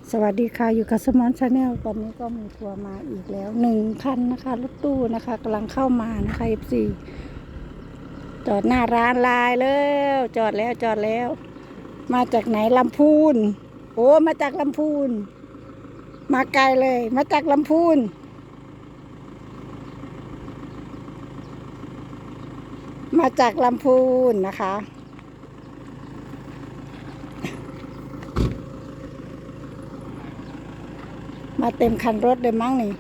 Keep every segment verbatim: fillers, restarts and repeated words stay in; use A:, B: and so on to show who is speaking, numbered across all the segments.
A: สวัสดีค่ะอยู่กับสมอนชาแนลตอนนี้ก็มีทัวร์มาอีกแล้วหนึ่งคันนะคะรถตู้นะคะกำลังเข้ามานะคะ เอฟ ซี จอดหน้าร้านลายแล้วจอดแล้วจอดแล้ว มาจากไหนลำพูนโอ้มาจากลำพูนมาไกลเลยมาจากลำพูนมาจากลำพูนนะคะมาเต็มคันรถเลยมั้งนี่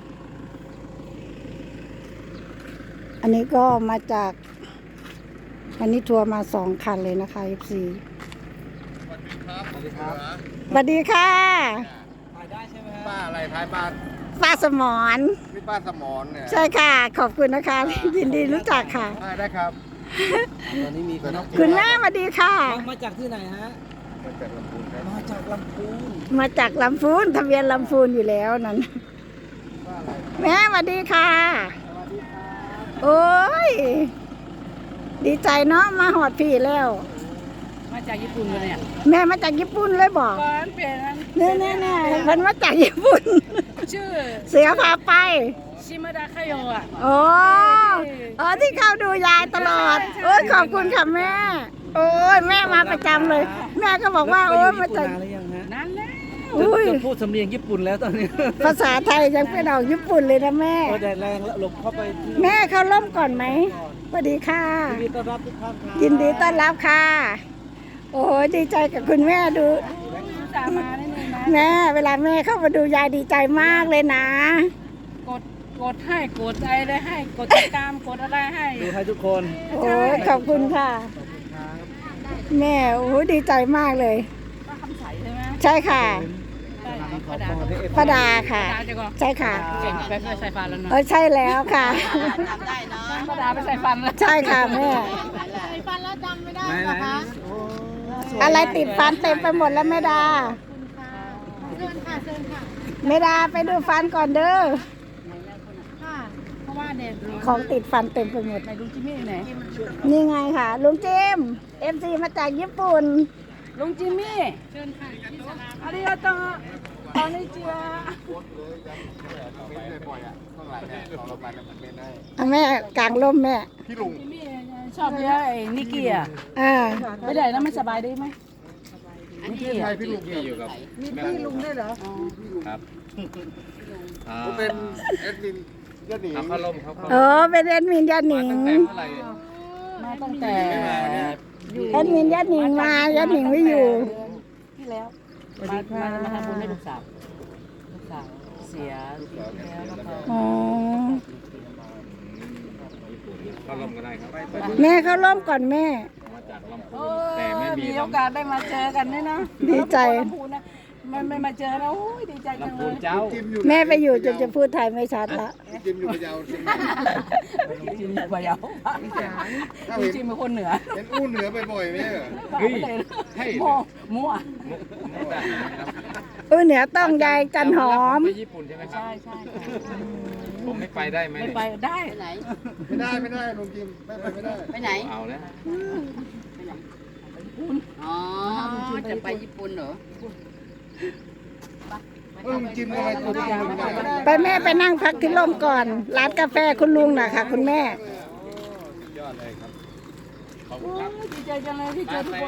A: อันนี้ก็มาจากอันนี้ทัวร์มาสองคันเลยนะคะ เอฟ ซี
B: สวัสดีครับ
A: สวัสดีค่ะ
B: ถ่ายได้ใช่ไหมป้าอะไรท้ายป้า
A: ป้าสมอน
B: พี่ป้าสมอนเนี่ย
A: ใช่ค่ะขอบคุณนะคะยินดีรู้จักค่ะ
B: ได้ได้ครับตอนนี้มีคน
A: คุณแม่สวัสดีค่ะ
C: มาจากที่ไหนฮะ
B: มาจากลำพูนครับ
C: มาจากลำพูน
A: มาจากลำพูนทะเบียนลำพูนอยู่แล้วนั่น
B: ป้าอะไร
A: แม่สวัสดีค่ะ
C: สวัสดีครับ
A: โอ้ยดีใจเนาะมาหอดพี่แล้ว
C: มาจากญี่ปุ่นเลยเนี่ย
A: แม่มาจากญี่ปุ่นเลยบอก
C: ก่อนเปลี่ยนนั้น
A: แน่แน่แน่เพิ่นมาจากญี่ปุ่น
C: ชื่อ
A: เสือพาไป
C: ชิมาดาคาโยะอ่ะ
A: โอ้อ๋อที่เข้าดูยายตลอด โอ้ยขอบคุณค่ะแม่ โอ้ยแม่มาประจำเลย แม่ก็บอกว่าโอ้ยมาจาก
C: นานหรือยังฮะนานแล้ว
A: อุ้ย
C: จะพูดสำเนียงญี่ปุ่นแล้วตอนนี้
A: ภาษาไทยยังเป็นออกญี่ปุ่นเลยนะแม่
C: โอ้แดดแรงแล้วหลบเข้าไปที่
A: แม่เข้าร่มก่อนไหมสวัสดีค่ะ
C: ยินดีต้อนรับทุกท่านครับ
A: ยินดีต้อนรับค่ะ โอ้ยดีใจกับคุณแม่ดู
C: ตามมาได้เลยนะ
A: แม่เวลาแม่เข้ามาดูยายดีใจมากเลยนะ
D: กดกดให้กดอะไรได้ให้กดติดตามกดอะไรให้
C: ดูให้ทุกคน
A: โอ้ยขอบคุณค่ะ แม่โอ้ยดีใจมากเลย
D: ป้าคำใสใช่ไหม
A: ใช่ค่ะ
D: ได้ป้าดา
A: ป้าดาค่ะ
D: ป้าดาจะก็
A: ใช่ค่ะ
D: เก่งไปเคยใส่ฟันแล้วเนาะ
A: เออใช่แล้วค่ะ
D: ป้าดาไปใส่ฟันแล้ว
A: ใช่ค่ะแม่
D: ใส่ฟันแล้วจำไม่ได้
C: ไหนไหนโอ้สวย
A: อะไรติดฟันเต็มไปหมดแล้วแม่ดาแม่ดาไปดูฟันก่อนเด้อ
D: ค่ะเพราะว่าเด็ก
A: ของติดฟันเต็มไปหมด
D: ไหนดูจิมมี่ไหน
A: นี่ไงค่ะลุงจิมเอ็มซีมาจากญี่ปุ่น
D: ลุงจิมมี่เชิญค่ะอาริยาโตตอนนี้เจีย
B: เม้นเลยบ่อยอ่ะข้างหลังเนี่ยเราเราไปแล้วมันเม้นได้
A: อ่ะแม่กลางร่มแม่
B: พี่ลุง
D: จิมมี่ชอบเยอะไอ้นิกกี้อ่ะ
A: อ่า
D: ไปไหนแล้วไม่สบายได้ไหมนิกกี้
B: ใคร
D: อ่ะ
B: พี่ลุงอยู่กับ
D: มีพี่ลุงด้วยเหรอ
B: ครับผมเป็นแอดมินยอดหนีเขาล่มเขา
A: เออเป็นแอดมินยาหนิง
D: มาตั้งแต่
A: แอดมินยาหนิงมายาหนิงไม่อยู่
D: ที่แล้วมามามาทำบุญให้ลูกสาวลูกสาวเสียปีที่แล้วแล้วก็
A: อ๋อ
B: เขาล่มก็ได้ครับ
A: แม่เข้าร่มก่อนแม่
B: มาจากลำพู
D: โอ้
B: นแต่ไม่มี
D: มีโอกาสได้มาเจอกันด้วยนะ
A: ดีใจ
D: ลำพูนนะไม่ไม่มาเจอนะโอ้ยดีใจจัง
B: ลำ
D: เล
B: พูน
D: ย
B: เจ้า
A: แม่ไปอยู่จนจะพูดไทยไม่ชัดละ
B: จิมอยู่พะเยาจิม
D: จิมพะเยาลุงจิมเป็นคนเหนือ
B: เห็นอู้เหนือบ่อยๆไหมเหรอ
D: เฮ้ยมั่วมั่ว
A: เออเหนือต้องยายจันหอม
B: ไปญี่ปุ่นใช่ไหมครับ
D: ใช่ใช่ค่ะ
B: ผมไม่ไปได้ไหม
D: ไม่ไปได้
E: ไหน
B: ไม่ได้ไม่ได้ลุงจิมไม่ไปไม่ได้
E: ไปไหน
B: เอาแล้ว
E: อ๋อ จะไปญี่ปุ่นเหรอ
B: ลุงจิมทำไมตัวจริงลุงได้
A: ไปแม่ไปนั่งพักที่ร่มก่อน ร้านกาแฟคุณลุงน่ะค่ะ คุณแม่
B: ยอดเลยครับ
D: โอ้ยดีใจจังเลยที่เจอทุกคน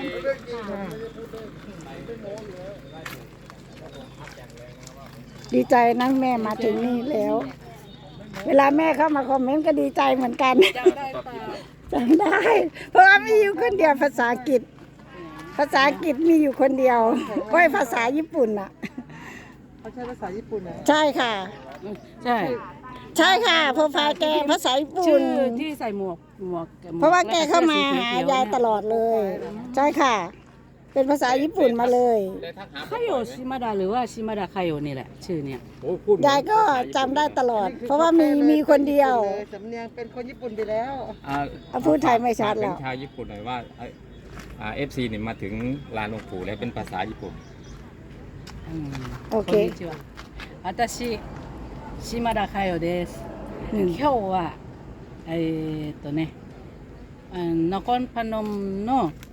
A: ดีใจนะแม่มาถึงนี่แล้ว เวลาแม่เข้ามาคอมเมนต์ก็ดีใจเหมือนกัน
D: จำได้เปล่า
A: จำได้ เพราะว่ามีอยู่คนเดียวภาษาอังกฤษ ภาษาอังกฤษมีอยู่คนเดียวก็ภาษาญี่ปุ่นอ่ะ
C: เขาใช้ภาษาญี่ปุ่นนะ
A: ใช่ค่ะ
D: ใช่
A: ใช่ค่ะโปรไฟล์แกภาษาญี่ปุ่
D: ชื่
A: น
D: อที่ใส่หมวกหมวก
A: เพราะว่าแกเข้ามาหายายตลอดเลย ใช่ค่ะ เป็นภาษาญี่ปุ่นมาเลย
D: คาโยชิมาดาหรือว่าชิมาดาคาโยนี่แหละ ชื่อเนี่ย
B: โอ้พูด
A: ยายก็จำได้ตลอด เพราะว่ามีมีคนเดียว
C: สำเนียงเป็นคนญี่ปุ่นไปแล้ว
A: เอาพูดไทยไม่ชัดแล้ว
F: เป็นชาวญี่ปุ่นหน่อยว่าเอฟซีเนี่ยมาถึงลานหลวงปู่แล้วเป็นภาษาญี่ปุ่น
A: โอเค
D: こんにちは。私、島田佳代です。今日は、えーっとね、あのナコンパノムの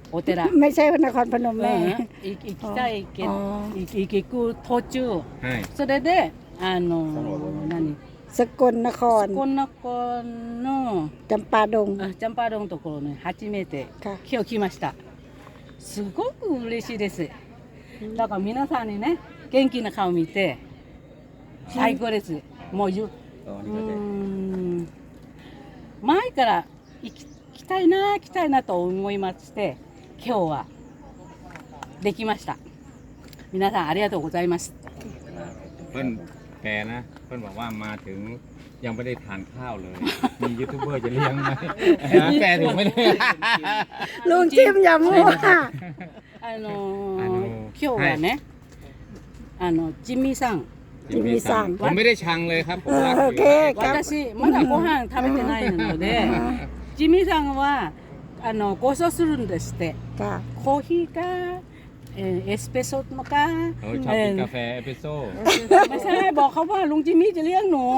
D: お寺
A: ไม่ใช่นครพนม
D: う
A: แม่
D: んい行きたいけ
A: อ๋อ
D: い行く途中
F: ให้
D: それであの何
A: สกลนคร
D: こんな子の
A: จำปาดง
D: あジャンパードのところに初めて
A: ค่ะ
D: 今日来ましたすごく嬉しいですだから皆さんにね元気な顔見て最高ですもうゆうーん前から行き来たいな来たいなと思いまして今日はできました皆さんありがとうございます
F: เพิ่นแกนะ เพิ่นบอกว่ามาถึงยังไม่ได้ทานข้าวเลย มียูทูบเบอร์จะเลี้ยงไหมแกถูกไหมเนี่ย
A: ลุงจิ้มอย่ามั่ว
D: あの
F: あの
D: ー今日はね、あのジミーさん
A: จิมมี่สั่ง
F: ผมไม่ได้ชังเลยครับ ผม
A: เออ
F: รัก
A: โอ
F: อ
A: เค
F: ยู่
A: ครับ
D: 私まだご飯食べてないのでジミーさんはあのご馳走するんですって
A: ค่ะ
D: コーヒーか、えーエスプレッソとか
F: เขาชอบกินกาแฟเอสเปรสโซ่
D: ไม่ใช่บอกเขาว่าลุงจิมมี่จะเลี้ยงหนู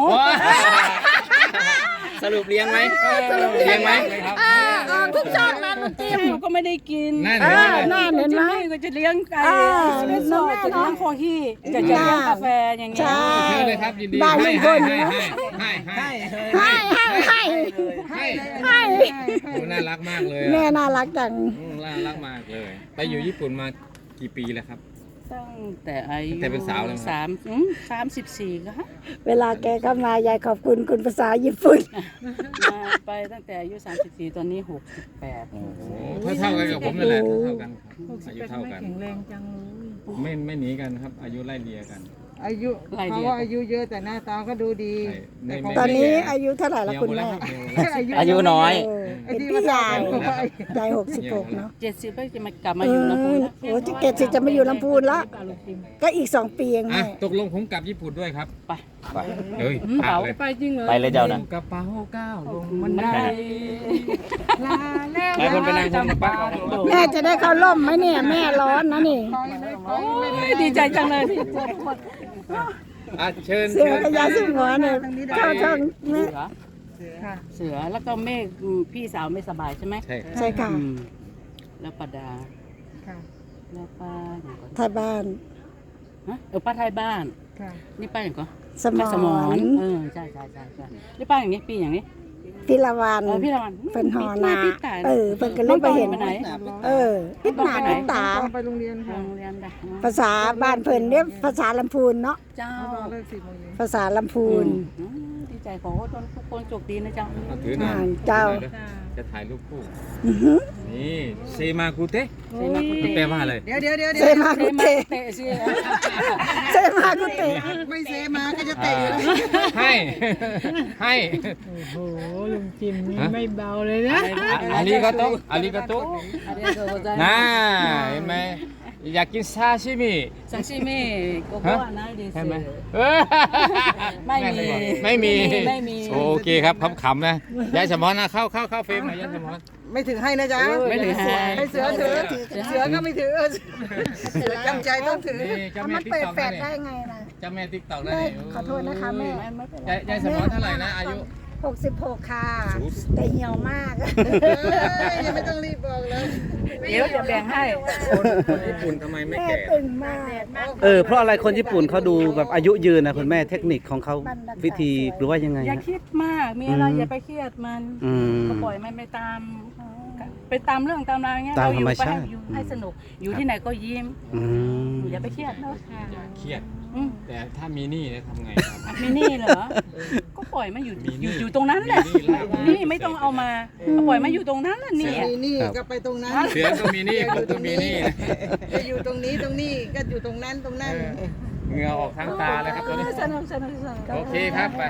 B: สรุปเลี้ยงไหม
F: เลี้ยงไหม
A: อ่าออกทุกช่องนะลุงจิ้ม
D: หนูก็ไม่ได้กิน
F: นั่น
A: อ่า
F: เห็นไหม
A: น่าเห็นไหม
D: จิมมี่ก็จะเลี้ยงไก่
A: อ่า
D: เอสเปรสโซ่
A: น้องแม่
D: จะเลี้ยง
A: เนอะ
D: คอฮีจะจะเลี้ยงกาแฟอย่างเงี้ย
A: ใช่
F: เชิญเลยครับยินดี
A: ได้
F: ให้
A: ลุงพ
F: ให้
A: ล
F: ให้
A: นะ
F: ให้ให้
A: ให้ให้ให้
F: ให้
A: ให้
F: โอ้น่ารักมากเลย
A: แม่
F: อะ
A: น่ารักจัง
F: อืมน่ารักมากเลย ไปอยู่ญี่ปุ่นมากี่ปีแล้วครับ
D: ตั้งแต่อายุ
F: ตั้งแต่เป็นสาวเลยไหม
D: สามอืมสามสิบสี่ก็ฮะ
A: เวลาแกเข้ามายายขอบคุณคุณภาษาญี่ปุ่น
D: มาไปตั้งแต่อายุสามสิบสี่ตอนนี้หกสิบแปด
F: โอ้โหเท่าๆกันกับผมนั่นแหละเท่าๆกันครับอายุเท่ากัน
C: แข็งแรงจังเลย
F: ไม่ไม่หนีกันครับ อายุไล่เลี่ยกัน
C: อายุเขาว่าอายุเยอะแต่หน้าตาก็ดูดี
F: ใช่ไม่
C: แต่
F: ไม่
A: ตอนนี้
F: ไม่แก่
A: อายุเท่าไหร่ละ
F: เหี่ยว
A: คุณ
F: หมดแล้
A: แม่
F: วครับเหี่ยวหมดแล้ว
B: อายุน้อย
A: เออเป็นพี่ยายยายหกสิบหกเนาะ
D: เจ็ดสิบก็จะมากลับมา
A: เอ
D: อยู่
A: อ
D: ลำพูนแล้ว
A: โอ้จะเกตสิจะมาอยู่ลำพูนละก็อีกสองปีเอง
F: อ่ะ
A: แม่
F: ตกลงผมกลับญี่ปุ่นด้วยครับ
D: ไป
F: เฮ้ย
D: อืม
F: พา
D: เป๋า
F: เลย
D: ไปจริงเหรอ
B: ไปเลยเจ้านะ
F: กระเป๋าก้าวลงมั
D: มัน น
F: ได้
D: ได้
C: ลาแล้ว
B: หลายคนไปนั่งชมกับป้า
A: แม่จะได้เข้าร่มไหมเนี่ยแม่ร้อนนะนี่
D: โอ้ยดีใจจังเลยที่เจอทุกคน
F: อ่ะเชิญ
A: เสือกับยาสีหัวเนี่ยเข้าช่องแม่
D: เสือ
C: ค่ะ
D: เสือแล้วก็เมฆอืมพี่สาวไม่สบายใช่ไหม
F: ใช่
A: ใช่ค่ะ
D: อืมแล้วปาดา
C: ค่ะ
D: แล้วป้าอย่างก่อน
A: ไทยบ้าน
D: ฮะเออป้าไทยบ้าน
C: ค่ะ
D: นี่ป้าอย่างก่อน
A: สม
D: ป้าสม
A: อ
D: อน
A: น
D: เออใช่ใช่ใช่ใช่นี่ป้าอย่างนี้ปีอย่างนี้
A: พิลาวัน
D: เออพี่ละวัน
A: เป็นหอนา
D: พี่ตาย
A: เออเป็นก็เล่นไปเห็น
D: ไปไหน
A: เออพิษหนาพิษตา
C: ต้องไปโรงเรียนค่ะ
D: โรงเรียนได้
A: ภาษาบ้านเพิ่นเรียกภาษาลำพูนเนาะ
D: เจ้า
C: ต้องเลิกสี่โมงเย็น
A: ภาษาลำพูน
D: อืมดีใจขอให้ทุกคนโชคดีนะเจ้า
F: เอาถือหน่อย
A: อ่าเจ้า
F: ถือหน่อยเด้อจะถ่ายรูปคู่
A: อื้อหือ
F: นี่เซมากุเตะ
D: เซมากุเตะ
F: แปลว่าอะไร
C: เดี๋ยวเดี๋ยวเดี๋ยว
A: เซ
C: เดี๋ยว
A: มา
D: เซ
A: กุ
D: มา
A: เตะ
D: เตะสิ
A: เซมากุเตะ
C: ไม่เซมาก็จะเตะอยู่แล้ว
F: ให้ ให้
C: โอ้ลุงจิมนี่
F: ฮะ
C: ไม่เบาเลยนะ
F: อาริกาโตะอาริกาโตะ
D: ありがとうござい
F: น่า
D: ます
F: เห็นไหมอยากกินซาชิมิ
D: 刺身ここはないです
F: ใช่ไหมเออ
D: ไม่มี
F: ไม่มี
D: ไม่มี
F: โอเคครับขำๆนะยายสมอนนะเข้าเข้าเข้าเฟรมหน่อยยายสมอน
C: ไม่ถึงให้นะจ๊ะ
F: ไม่ถึงให้
C: ให้เสือถือเสือก็ไม่ถือเสือจำใจต้องถือ
F: นี่เจ้าแม่
A: มัน
F: ติ๊ก
A: เปิด
F: ต็อก
A: แฟ
F: นะ
A: ด
F: เนี่ย
A: ได้ไงนะ
F: เจ้าแม่ติ๊กต็อกนะ
A: แม่
F: เนี่ย
A: ขอโทษนะคะแม่
F: ยายยายสมอนเท่าไหร่นะอายุ
A: หกสิบหกค่ะ แต่เหี่ยวมาก
C: เอ้ยยังไม่ต้องรีบบอกเลย
D: เดี๋ยวจะแบ่งให้
F: คนคนญี่ปุ่นทำไมไม่
A: แม่
F: แก่
A: ตึงมาก
B: เออเพราะอะไรคนญี่ปุ่นเขาดูแบบอายุยืนนะคุณแม่เทคนิคของเขาวิธีหรือว่ายังไง
D: อย่า
B: ฮะ
D: คิดมากมีอะไร
B: อืม
D: อย่าไปเครียดมัน
B: อืม
D: ก็ปล่อยมันไปตามไปตามเรื่องตามราวอย่างเงี้ย
B: ตาม
D: เราอยู่
B: ธรรม
D: ไป
B: ชา
D: ให้
B: ติ
D: อยู่ให้สนุกอยู่ที่ไหนก็ยิ้ม
B: อืม
D: อย่าไปเครียดเนอะ
F: เครียด
D: อืม
F: แต่ถ้ามีหนี้เนี่ยทำไงครับ
D: มีหนี่เหรอ ก็ปล่อยมันอยู่
F: มีหนี้
D: อยู่อยู่ตรงนั้นแหละ
F: มีหนี้แล้ว
D: นี่ไม่ต้องเอามาก็ปล่อยมันอยู่ตรงนั้นแหละนี่
C: นี่นี่ก็ไปตรงนั้น
F: เสือก็มีหนี้ผมก็มีหนี้นะ
C: จะอยู่ตรงนี้ตรงนี้ก็อยู่ตรงนั้นตรงนั้น
F: เหงื่อออกทางตาเลยครับตอนนี้
D: สนุกสนุกสนุก
F: โอเคครับไป